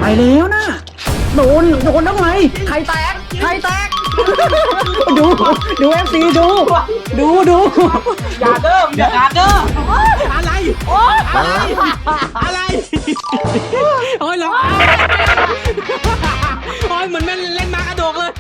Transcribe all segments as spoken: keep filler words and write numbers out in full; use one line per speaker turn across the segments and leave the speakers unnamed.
แล้วนะโดนโดนทำไมใครแตกใครแตกดูดูเอฟซีดูดูดูอย่าเดิมอย่าเดิมอะไรอะไรอะไรโอ้ยหรอโอ้ยเหมือนแม่เล่นมากระโดดเลย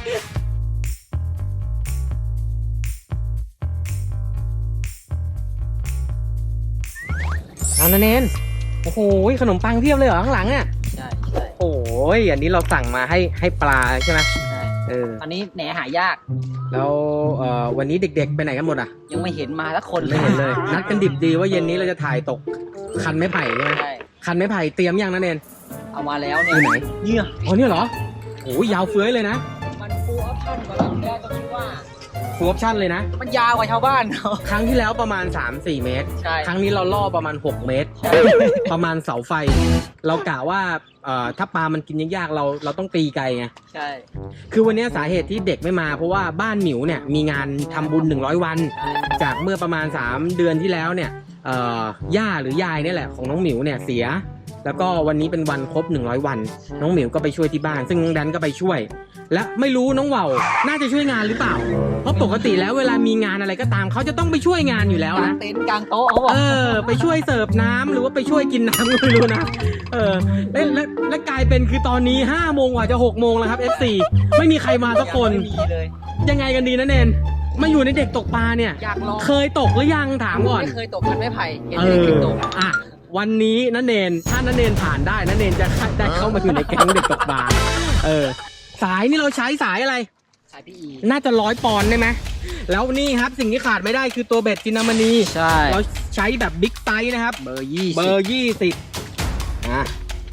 เอานะเนนโอ้โหขนมปังเพียบเลยเหรอข้างหลังอ่ะ
ใช่ใช่
โอ้ยอันนี้เราสั่งมาให้ให้ปลาใช่ไหม
ใช่
เออ
ตอนนี้แหนหายาก
แล้วเอ่อวันนี้เด็กๆไปไหนกันหมดอ่ะ
ยังไม่เห็นมาสักคน
ไม่เห็นเลยนัดกันดิบดีว่าเย็นนี้เราจะถ่ายตกคันไม้ไผ่ใช่ไหม
ใช่
คันไม้ไผ่เตรียมยังนะเนน
เอามาแล้วเนี่ย
อยู่ไหน
เนี่ย
อ๋อเนี่ยเหรอโอ้ยยาวเฟื้อยเลยนะ
มันฟูลออปชั่นกว่าเราแค่ต้องคิดว่า
ฟูลออปชั่นเลยนะ
มันยาวกว่าชาวบ้านเขา
ครั้งที่แล้วประมาณ สามสี่ เมตร
ใช่
ครั้งนี้เราล่อประมาณหกเมตรประมาณเสาไฟเรากะว่าเอ่อถ้าปลามันกินยากๆเราเราต้องตีไกลไง
ใช่
คือวันนี้สาเหตุที่เด็กไม่มาเพราะว่าบ้านหมิวเนี่ยมีงานทำบุญหนึ่งร้อยวันจากเมื่อประมาณสามเดือนที่แล้วเนี่ยเอ่อย่าหรือยายนี่แหละของน้องหมิวเนี่ยเสียแล้วก็วันนี้เป็นวันครบหนึ่งร้อยวันน้องหมิวก็ไปช่วยที่บ้านซึ่งน้องแดนก็ไปช่วยและไม่รู้น้องว่าวน่าจะช่วยงานหรือเปล่าเพราะปกติแล้วเวลามีงานอะไรก็ตามเขาจะต้องไปช่วยงานอยู่แล้วนะ
เต็นท์กลางโต๊ะเขาบอก
เออไปช่วยเสิร์ฟน้ำหรือว่าไปช่วยกินน้ำก็ไม่รู้นะเออและและและกลายเป็นคือตอนนี้ห้าโมงกว่าจะหกโมงแล้วครับ เอฟ ซี ไม่มีใครมาสักคน
ไม่มีเลย
ยังไงกันดีนะเนนมาอยู่ในเด็กตกปลาเนี่ย
อยากลอง
เคยตกหรือยังถามก่อน
ไม่เคยตกคันไม้ไผ่เห็น
เอ
เด็ก
อ
ตก
อ่ะวันนี้นะเนนถ้านะเนนผ่านได้นะเนนจะได้เข้ามาอยู่ในแก๊งเด็กตกปลาเออสายนี่เราใช้สายอะไร
สายพี่อี
น่าจะร้อยปอนด์ได้ไหมแล้วนี่ครับสิ่งที่ขาดไม่ได้คือตัวเบ็ดจินามณี
ใช่
เราใช้แบบบิ๊กไซส์นะครับ
เบอร์ยี่
เบอร์ยี่สิบอ่ะ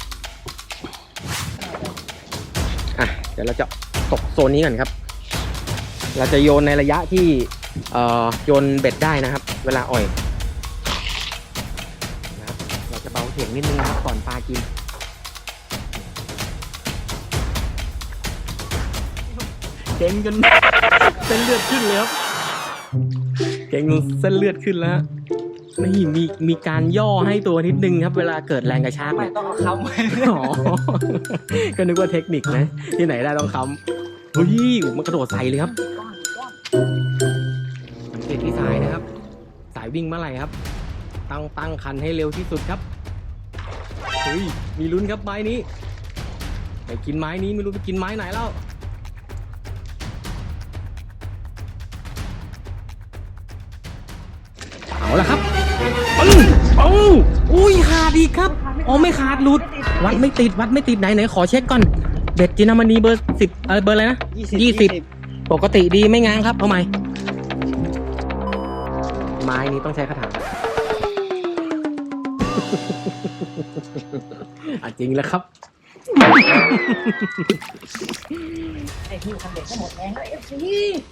อ่ะเดี๋ยวเราจะตกโซนนี้ก่อนครับเราจะโยนในระยะที่เอ่อโยนเบ็ดได้นะครับเวลาอ่อยนะครับเราจะเบาเสียงนิดนึงนะครับก่อนปลากินเก่งจนเส้นเลือดขึ้นเลยครับเก่งจนเส้นเลือดขึ้นแล้วนี่มีมีการย่อให้ตัวนิดนึงครับเวลาเกิดแรงกระชาก
ไม่ต้องเอาค้ำไว้
อ๋อก็นึกว่าเทคนิคนะที่ไหนได้ต้องค้ำเฮ้ยมันกระโดดใส่เลยครับสังเกตที่สายนะครับสายวิ่งเมื่อไหร่ครับตั้งตั้งคันให้เร็วที่สุดครับเฮ้ยมีลุ้นครับไม้นี้ไปกินไม้นี้ไม่รู้ไปกินไม้ไหนแล้วเอาละครับปึ้งโอ้อุ้ยขาดอีกครับอ๋อไม่ขาดหลุดวัดไม่ติดวัดไม่ติดไหนไหนขอเช็คก่อนเบ็ดจินามณีเบอร์สิบเออเบอร์อะไรนะยี่สิบปกติดีไม่ง้างครับเอาใหม่ไม้นี้ต้องใช้คาถาอ่ะจริงแล้วครับ
ไอ้ที่คันเด็กก็หมดแรงแล้วเอฟซี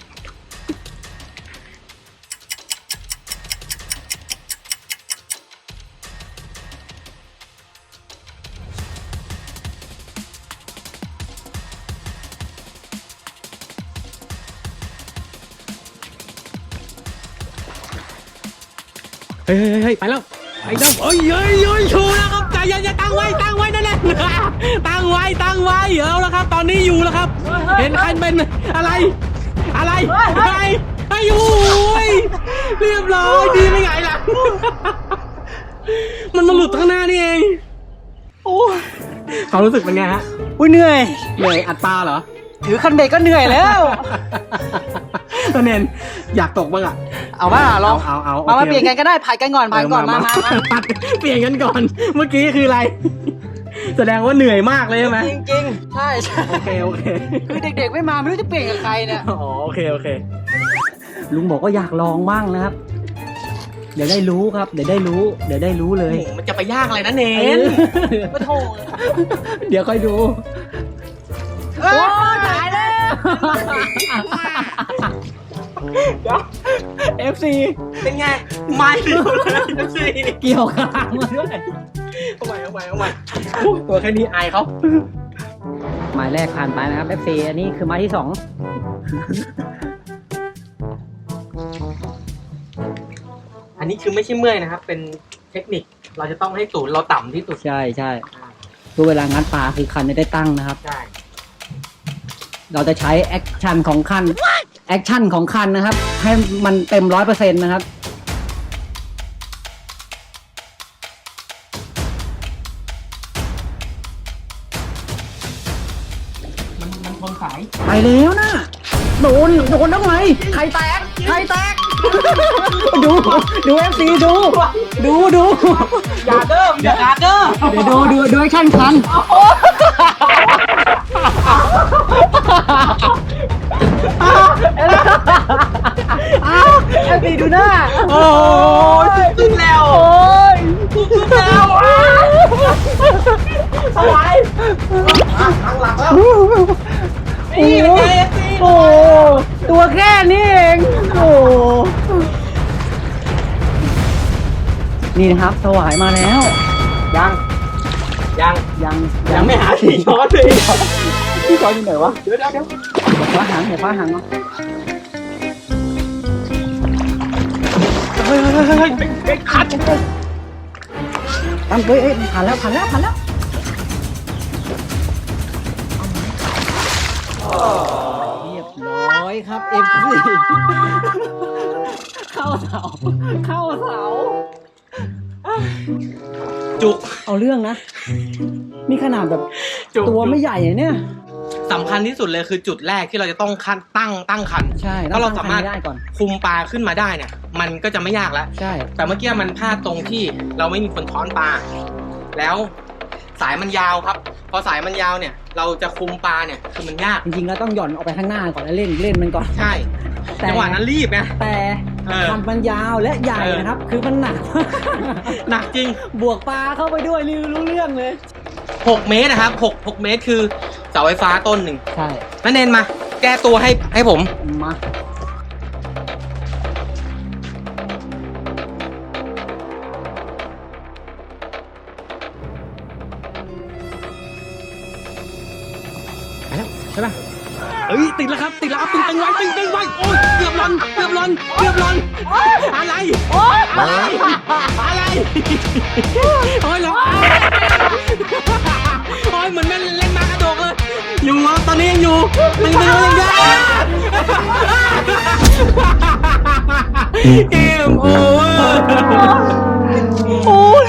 เฮ้ยเฮ้ยไปแล้วไปแล้วเอ้ยเฮ้ยเฮ้ยชูแล้วครับใจเย็นๆตั้งไว้ตั้งไว้นั่นแหละตั้งไว้ตั้งไว้เอาแล้วครับตอนนี้อยู่แล้วครับเห็นใครเป็นอะไรอะไรอะไรไอ้โอ้ยเรียบร้อยดีไม่ไงล่ะมันมาหลุดข้างหน้านี่เองโอ้เขารู้สึกเป็นไงฮะ
อุ้ยเหนื่อย
เหนื่อยอัดปลาเหรอ
ถือคันเด็กก็เหนื่อยแล้ว
ตอนเนนอยากตกบ้างอ่ะ
เอาว่าลอง
เอาเอา
มามาเปลี่ยนกันก็ได้ผ่านกันก่อนผ่านก่อนมามา
เปลี่ยนกันก่อนเมื่อกี้คืออะไรแสดงว่าเหนื่อยมากเลยใช่ไหม
จริงจริงใช่ใช่
โอเคโอเค
คือเด็กๆไม่มาไม่รู้จะเปลี่ยนกับใครเนี่ย
อ๋อโอเคโอเค
ลุงบอกว่าอยากลองบ้างนะครับเดี๋ยวได้รู้ครับเดี๋ยวได้รู้เดี๋ยวได้รู้เลย
มันจะไปยากอะไรนะเนน
ก็โทษ
เดี๋ยวค่อยดู
โอ้ตายแล้ว
เอฟ ซี เป็นไงไม่เดียวเลย เอฟ ซี
เกี่ยวข้างมาด้วย
เอาใหม่เอาใหม่เอาใหม่ตัวแค่นี้อายเขา
หมายแรกผ่านไปนะครับ เอฟ ซี อันนี้คือไม้ที่สอง
อันนี้คือไม่ใช่เมื่อยนะครับเป็นเทคนิคเราจะต้องให้ศูนย์เราต่ำที่สุด
ใช่ใช่เพื่อเวลางัดปลาคือคันจะได้ตั้งนะครับ
ใช่
เราจะใช้แอคชั่นของคันแอคชั่นของคันนะครับ ให้มันเต็มร้อยเปอร์เซ็นต์นะครับ
มันมันทนสาย
ไปแล้วนะโดนโดนทำไมใครแตกใครแตก ดูดูเอฟซีดู ดูดู
อย่าเดิมอย่าเดิม
เดี๋ยวดูดูดูแอคชั่นคันอ้าวเอฟซีดูหน้า
โอ้ยขึ้นแล้ว
โอ้ย
ขึ้นแล้วอะไรทางหลังแล้วนี่เป็นไงเอฟซี
โอ้ตัวแค่นี้เองโอ้นี่นะครับสวายมาแล้ว
ยังยัง
ยัง
ยังไม่หาสีช้อนเลย
พี่จอยอยู่ไหนวะ
เดี๋ยวเดี๋ยวเดี๋ยว
เดี๋ยวคว้าหางเดี๋ยวคว้าหางมา
เฮ้ยเฮ้ยเฮ้ยเฮ้ยเฮ้ยคัด
ตั้งเฮ้ยเอ้ยผ่านแล้วผ่านแล้วผ่านแล้วเรียบร้อยครับเอฟซีเข้าเสาเข้าเสา
จุก
เอาเรื่องนะ นี่ขนาดแบบ
จุก
ตัวไม่ใหญ่เลยเนี่ย
สำคัญที่สุดเลยคือจุดแรกที่เราจะต้องคันตั้งตั้งคัน
ใช่
ถ้าเราสามารถ
ตั้งคันให้ได้ก่อน
คุมปลาขึ้นมาได้เนี่ย มันก็จะไม่ยากแล้ว
ใช่
แต่เมื่อกี้มันพลาดตรงที่เราไม่มีคนช้อนปลา แล้วสายมันยาวครับ พอสายมันยาวเนี่ย เราจะคุมปลาเนี่ยคือมันยาก
จริงๆแล้วต้องหย่อนออกไปข้างหน้าก่อนแล้วเล่นเล่นมันก่อน
ใช่
แต่
จังหวะนั้นรีบไง
แต่
เออ
คันมันยาวและใหญ่
เออ
นะครับ คือมันหนัก
หนักจริง
บวกปลาเข้าไปด้วยนี่รู้เรื่องเลย
หกเมตรนะครับหก หกเมตรคือเสาไฟฟ้าต้นหนึ่ง
ใช่
นั่นเนนมา แก้ตัวให้ให้ผม
มา
ใช่ป่ะเอ้ยติดแล้วครับติดแล้วครับตึงตึงไว้ตึงตึงไว้โอ้ยเกือบหล่นเกือบหล่นเกือบหล่นอะไรอะไรอะไรโอ้ยหลงโอ้ยเหมือนแม่เล่นมากระโดดเลยอยู่ครับตอนนี้ยังอยู่ตึงตึงยังได้เกมโอเวอร์โอ้ย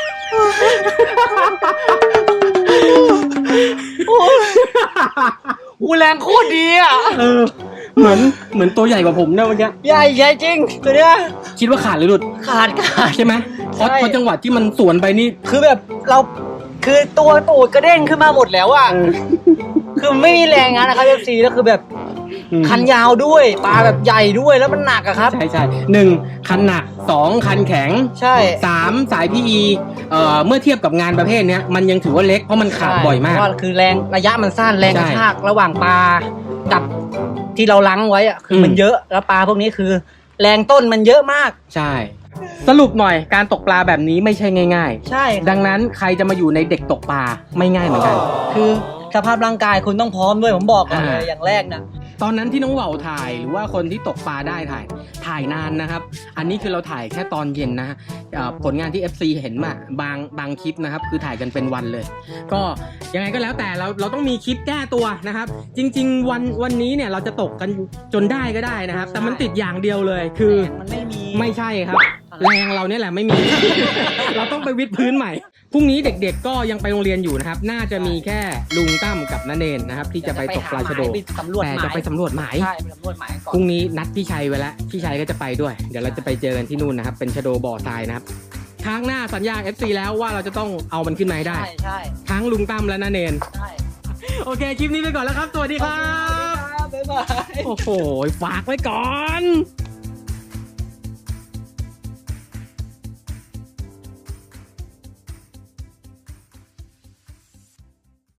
อูแรงโคตรดีอ่ะ เออ เหมือน เหมือนตัวใหญ่กว่าผมเนี่ยเมื่อกี้
ใหญ่ใหญ่จริงตัวเนี้ย
คิดว่าขาดหรือหลุด
ขาดขาด
ใช่ไหมเพราะ
ใช่
เพราะจังหวะที่มันสวนไปนี่
คือแบบเราคือตัวตูดกระเด้งขึ้นมาหมดแล้วอ่ะ คือไม่มีแรงงานนะครับเอฟซีแล้วคือแบบ
อืม
คันยาวด้วยปลาแบบใหญ่ด้วยแล้วมันหนักอะครับ
ใช่ใช่หนึ่งคันหนักสองคันแข็ง
ใช่
สามสายพีอีเอ่อเมื่อเทียบกับงานประเภทเนี้ยมันยังถือว่าเล็กเพราะมันขาดบ่อยมาก
เพราะว่าคือแรงระยะมันสั้นแรงกระชากระหว่างปลากับที่เราล้างไว้อะคืออ
ม
มันเยอะแล้วปลาพวกนี้คือ แรงต้นมันเยอะมาก
ใช่ สรุปหน่อยการตกปลาแบบนี้ไม่ใช่ง่าย
ใช่
ๆ ดังนั้นใครจะมาอยู่ในเด็กตกปลาไม่ง่ายเหมือนกัน
คือสภาพร่างกายคุณต้องพร้อมด้วยผมบอกก่อนเลย
อ่า
อย่างแรกนะ
ตอนนั้นที่น้องเหว่าถ่ายหรือว่าคนที่ตกปลาได้ถ่ายถ่ายนานนะครับ อันนี้คือเราถ่ายแค่ตอนเย็นนะฮะเอ่อผลงานที่ เอฟ ซี เห็นมาบางบางคลิปนะครับ คือถ่ายกันเป็นวันเลย ก็ยังไงก็แล้วแต่เราเราต้องมีคลิปแก้ตัวนะครับ จริง ๆ วันวันนี้เนี่ยเราจะตกกันจนได้ก็ได้นะครับ แต่มันติดอย่างเดียวเลยคือ
แรงมันไม่มี
ไม่ใช่ครับ แรงเราเนี่ยแหละไม่มี เราต้องไปวิดพื้นใหม่พรุ่งนี้เด็กๆก็ยังไปโรงเรียนอยู่นะครับ น่าจะมีแค่ลุงตั้มกับน้าเนนนะครับ ที่จะไปตกปลาชะโด
ไปสำรวจ
แต่
หมาย
จะไปสำรวจหมาย
ใช่ไปสำรวจหมายก่อน
พรุ่งนี้นัดพี่ชัยไว้แล้วพี่ชัยก็จะไปด้วย เดี๋ยวเราจะไปเจอกันที่นู่นนะครับ เป็นชะโดบ่อทรายนะครับครั้งหน้าสัญญา เอฟ ซี แล้วว่าเราจะต้องเอามันขึ้นมาให้ได้
ใช่ใช่
ทั้งลุงตั้มและน้าเนน
ใช่
โอเคคลิปนี้ไปก่อนแล้วครับ สวัสดีครับ
บ๊ายบาย
โอ้โหฝากไว้ก่อน